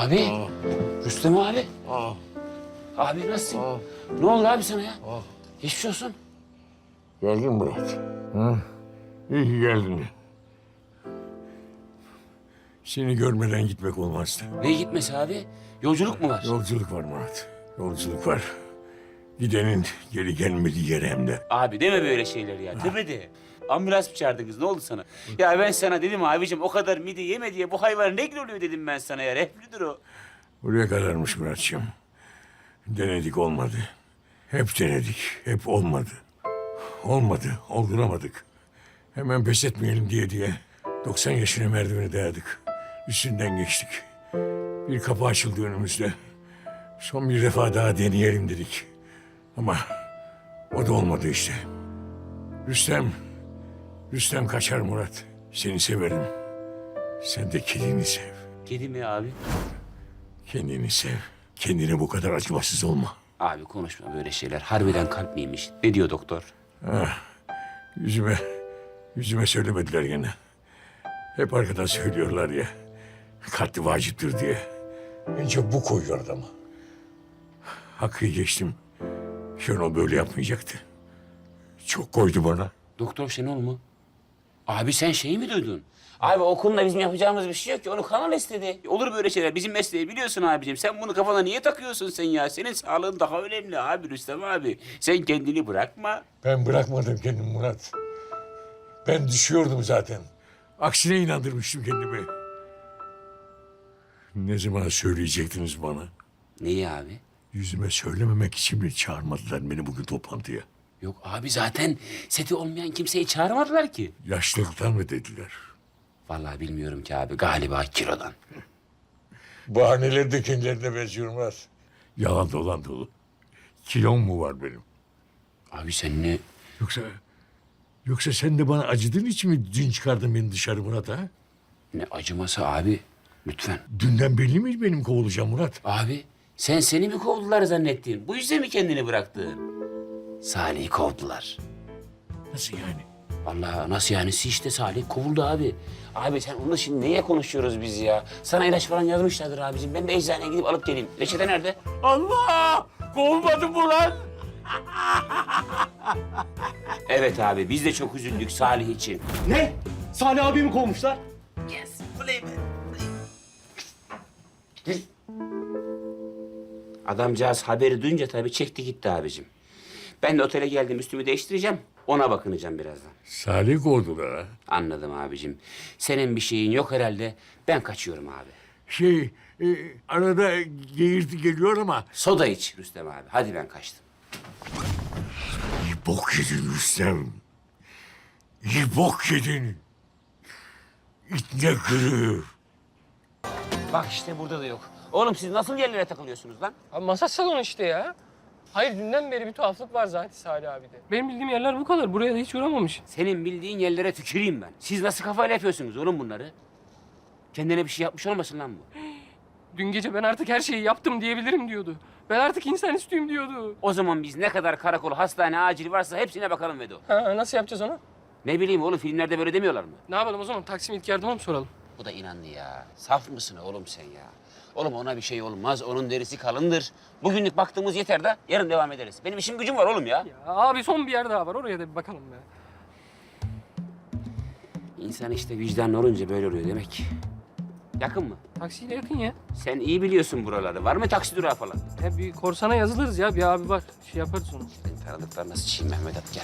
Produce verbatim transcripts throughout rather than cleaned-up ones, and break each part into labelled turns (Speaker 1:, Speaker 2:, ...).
Speaker 1: Abi,
Speaker 2: Aa,
Speaker 1: Rüstem abi.
Speaker 2: aa,
Speaker 1: Abi nasılsın?
Speaker 2: aa.
Speaker 1: Ne oldu abi sana ya?
Speaker 2: Aa.
Speaker 1: Geçmiş olsun.
Speaker 2: Geldin Murat. Ha? İyi ki geldin. Seni görmeden gitmek olmazdı.
Speaker 1: Ne gitmesi abi? Yolculuk mu var?
Speaker 2: Yolculuk var Murat. Yolculuk var. Gidenin geri gelmediği yere hem de.
Speaker 1: Abi deme böyle şeyler ya. Tepede. Ambulans mı çağırdınız? Ne oldu sana? Ya ben sana dedim abicim o kadar mide yeme diye bu hayvan ne oluyor dedim ben sana ya. Reflüdür o.
Speaker 2: Buraya kadarmış Muratçığım. Denedik olmadı. Hep denedik. Hep olmadı. Olmadı. Olduramadık. Hemen pes etmeyelim diye diye. doksan yaşına merdiveni dayadık. Üstünden geçtik. Bir kapı açıldı önümüzde. Son bir defa daha deneyelim dedik. Ama o da olmadı işte. Rüstem, Rüstem kaçar Murat. Seni severim. Sen de kedini sev.
Speaker 1: Kedi mi abi?
Speaker 2: Kendini sev. Kendine bu kadar acımasız olma.
Speaker 1: Abi konuşma böyle şeyler. Harbiden kalp miymiş? Ne diyor doktor?
Speaker 2: Ah, yüzüme, yüzüme söylemediler gene. Hep arkadan söylüyorlar ya. Katli vaciptir diye. Önce bu koyuyor adamı. Hakkı geçtim. Şenol böyle yapmayacaktı. Çok koydu bana.
Speaker 1: Doktor Şenol mu? Abi sen şeyi mi duydun? Abi okulda bizim yapacağımız bir şey yok ki. Onu kanal istedi. Olur böyle şeyler. Bizim mesleği biliyorsun abicim. Sen bunu kafana niye takıyorsun sen ya? Senin sağlığın daha önemli abi Rüstem abi. Sen kendini bırakma.
Speaker 2: Ben bırakmadım kendimi Murat. Ben düşüyordum zaten. Aksine inandırmıştım kendimi. Ne zaman söyleyecektiniz bana?
Speaker 1: Neyi abi?
Speaker 2: Yüzüme söylememek için mi çağırmadılar beni bugün toplantıya?
Speaker 1: Yok abi zaten seti olmayan kimseyi çağırmadılar ki.
Speaker 2: Yaşlılıktan mı dediler?
Speaker 1: Vallahi bilmiyorum ki abi. Galiba kilodan.
Speaker 2: Bahaneleri de kendilerine benziyor Murat. Yalan dolan dolu. Kilom mu var benim?
Speaker 1: Abi sen ne?
Speaker 2: Yoksa... Yoksa sen de bana acıdığın için mi dün çıkardın beni dışarı Murat ha?
Speaker 1: Ne acıması abi? Lütfen.
Speaker 2: Dünden belli mi benim kovulacağım Murat?
Speaker 1: Abi sen seni mi kovdular zannettin? Bu yüzden mi kendini bıraktın? Salih'i kovdular.
Speaker 2: Nasıl yani?
Speaker 1: Vallahi nasıl yani? İşte Salih kovuldu abi. Abi sen onu şimdi neye konuşuyoruz biz ya? Sana ilaç falan yazmışlardır abicim. Ben de eczaneye gidip alıp geleyim. Reçete nerede?
Speaker 2: Allah! Kovulmadım mı lan?
Speaker 1: Evet abi biz de çok üzüldük Salih için.
Speaker 3: Ne? Salih abimi kovmuşlar.
Speaker 1: Yes, play me. Adamcağız haberi duyunca tabii çekti gitti abicim. Ben de otele geldim üstümü değiştireceğim. Ona bakınacağım birazdan.
Speaker 2: Salih kovdular ha.
Speaker 1: Anladım abicim. Senin bir şeyin yok herhalde. Ben kaçıyorum abi.
Speaker 2: Şey, e, arada geğirti geliyor ama...
Speaker 1: Soda iç Rüstem abi. Hadi ben kaçtım.
Speaker 2: İyi bok yedin Rüstem. İyi bok yedin. İtne kırığı.
Speaker 1: Bak işte burada da yok. Oğlum siz nasıl yerlere takılıyorsunuz lan?
Speaker 4: Abi masaj salonu işte ya. Hayır dünden beri bir tuhaflık var zaten Salih abide. Benim bildiğim yerler bu kadar. Buraya da hiç uğramamış.
Speaker 1: Senin bildiğin yerlere tüküreyim ben. Siz nasıl kafayla yapıyorsunuz oğlum bunları? Kendine bir şey yapmış olmasın lan bu?
Speaker 4: Dün gece ben artık her şeyi yaptım diyebilirim diyordu. Ben artık insan üstüyüm diyordu.
Speaker 1: O zaman biz ne kadar karakol, hastane, acil varsa hepsine bakalım Vedo.
Speaker 4: Ha, nasıl yapacağız onu?
Speaker 1: Ne bileyim oğlum filmlerde böyle demiyorlar mı?
Speaker 4: Ne yapalım o zaman? Taksim ilk yardıma mı soralım?
Speaker 1: Bu da inandı ya. Saf mısın oğlum sen ya? Oğlum ona bir şey olmaz. Onun derisi kalındır. Bugünlük baktığımız yeter de yarın devam ederiz. Benim işim gücüm var oğlum ya.
Speaker 4: Ya abi son bir yer daha var. Oraya da bir bakalım be.
Speaker 1: İnsan işte vicdanlı olunca böyle oluyor demek. Yakın mı?
Speaker 4: Taksiyle yakın ya.
Speaker 1: Sen iyi biliyorsun buraları. Var mı taksi durağı falan?
Speaker 4: Ya bir korsana yazılırız ya. Bir abi var. Şey yaparız onu.
Speaker 1: Ben tanıdıklar nasıl çiğ Mehmet at gel.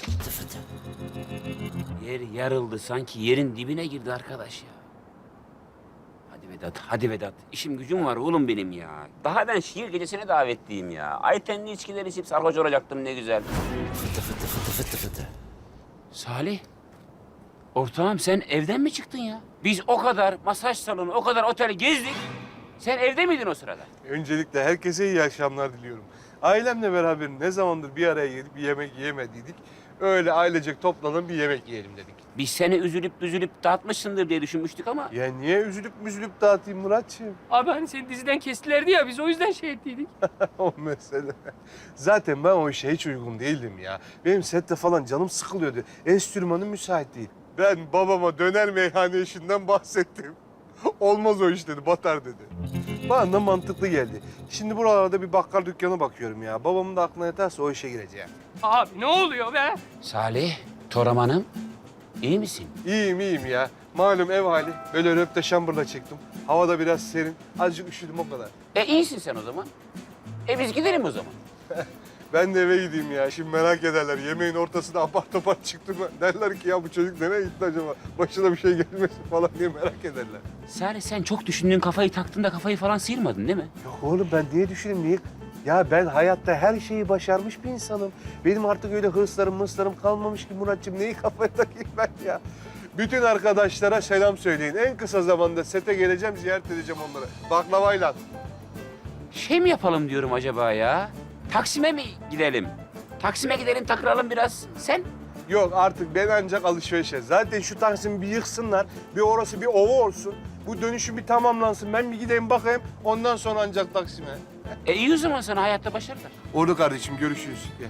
Speaker 1: Yer yarıldı sanki yerin dibine girdi arkadaş ya. Hadi Vedat, hadi Vedat. İşim gücüm var oğlum benim ya. Daha ben şiir gecesine davetliyim ya. Aytenli içkiler içip sarhoş olacaktım ne güzel. Fıtı fıtı fıtı fıtı fıtı. Salih, ortağım sen evden mi çıktın ya? Biz o kadar masaj salonu, o kadar otel gezdik. Sen evde miydin o sırada?
Speaker 5: Öncelikle herkese iyi akşamlar diliyorum. Ailemle beraber ne zamandır bir araya gelip bir yemek yiyemediydik. Öyle ailecek toplanıp bir yemek yiyelim dedik.
Speaker 1: Biz seni üzülüp üzülüp dağıtmışsındır diye düşünmüştük ama...
Speaker 5: Ya niye üzülüp müzülüp dağıtayım Muratçığım?
Speaker 4: Abi hani seni diziden kestilerdi ya. Biz o yüzden şey ettiydik.
Speaker 5: O mesele. Zaten ben o işe hiç uygun değildim ya. Benim sette falan canım sıkılıyordu. Enstrümanım müsait değil. Ben babama döner meyhane işinden bahsettim. Olmaz o iş dedi, batar dedi. Bana da mantıklı geldi. Şimdi buralarda bir bakkal dükkanı bakıyorum ya. Babamın da aklına yatarsa o işe gireceğim.
Speaker 4: Abi ne oluyor be?
Speaker 1: Salih, Toraman'ım iyi misin?
Speaker 5: İyiyim iyiyim ya. Malum ev hali. Böyle röpte şambırla çıktım. Havada biraz serin. Azıcık üşüdüm o kadar.
Speaker 1: E iyisin sen o zaman. E biz gidelim o zaman.
Speaker 5: Ben de eve gideyim ya. Şimdi merak ederler. Yemeğin ortasında apar topar çıktım. Derler ki ya bu çocuk nereye gitti acaba? Başına bir şey gelmesin falan diye merak ederler.
Speaker 1: Salih sen çok düşündün kafayı taktın da kafayı falan sıyırmadın değil mi?
Speaker 5: Yok oğlum ben niye düşüneyim niye? Ya ben hayatta her şeyi başarmış bir insanım. Benim artık öyle hırslarım mırslarım kalmamış ki Muratçım. Neyi kafaya takayım ben ya? Bütün arkadaşlara selam söyleyin. En kısa zamanda sete geleceğim, ziyaret edeceğim onları. Baklavayla.
Speaker 1: Şey mi yapalım diyorum acaba ya? Taksim'e mi gidelim? Taksim'e gidelim takılalım biraz. Sen?
Speaker 5: Yok artık ben ancak alışverişe. Zaten şu Taksim'i bir yıksınlar. Bir orası bir ova olsun. Bu dönüşüm bir tamamlansın. Ben bir gideyim bakayım. Ondan sonra ancak Taksim'e.
Speaker 1: E iyi o zaman sana hayatta başarılar.
Speaker 5: Oldu kardeşim görüşürüz. Gel.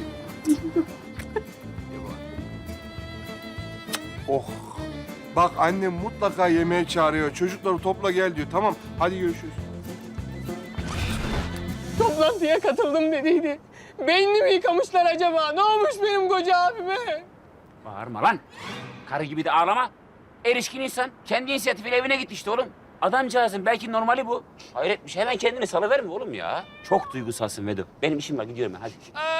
Speaker 5: Oh. Bak annem mutlaka yemeğe çağırıyor. Çocukları topla gel diyor. Tamam hadi görüşürüz.
Speaker 4: Toplantıya katıldım dediydi. Beynini mi yıkamışlar acaba? Ne olmuş benim koca abime?
Speaker 1: Bağırma lan. Karı gibi de ağlama. Erişkin insan. Kendi inisiyatifiyle evine gitti işte oğlum. Adamcağızın belki normali bu. Hayret bir şey. Hemen kendini salıverme oğlum ya. Çok duygusalsın Vedo. Benim işim var gidiyorum ben hadi.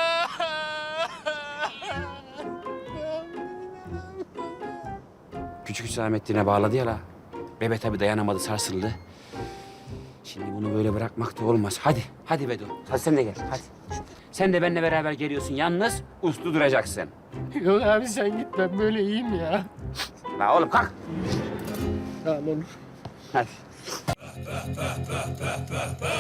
Speaker 1: Küçük Hüsamettin'e bağladı ya la. Bebe tabii dayanamadı sarsıldı. Şimdi bunu böyle bırakmak da olmaz. Hadi, hadi Vedo. Hadi sen de gel, hadi. Sen de benimle beraber geliyorsun. Yalnız uslu duracaksın.
Speaker 4: Yok abi sen git ben böyle iyiyim ya.
Speaker 1: La oğlum kalk.
Speaker 4: Tamam olur.
Speaker 1: Hadi.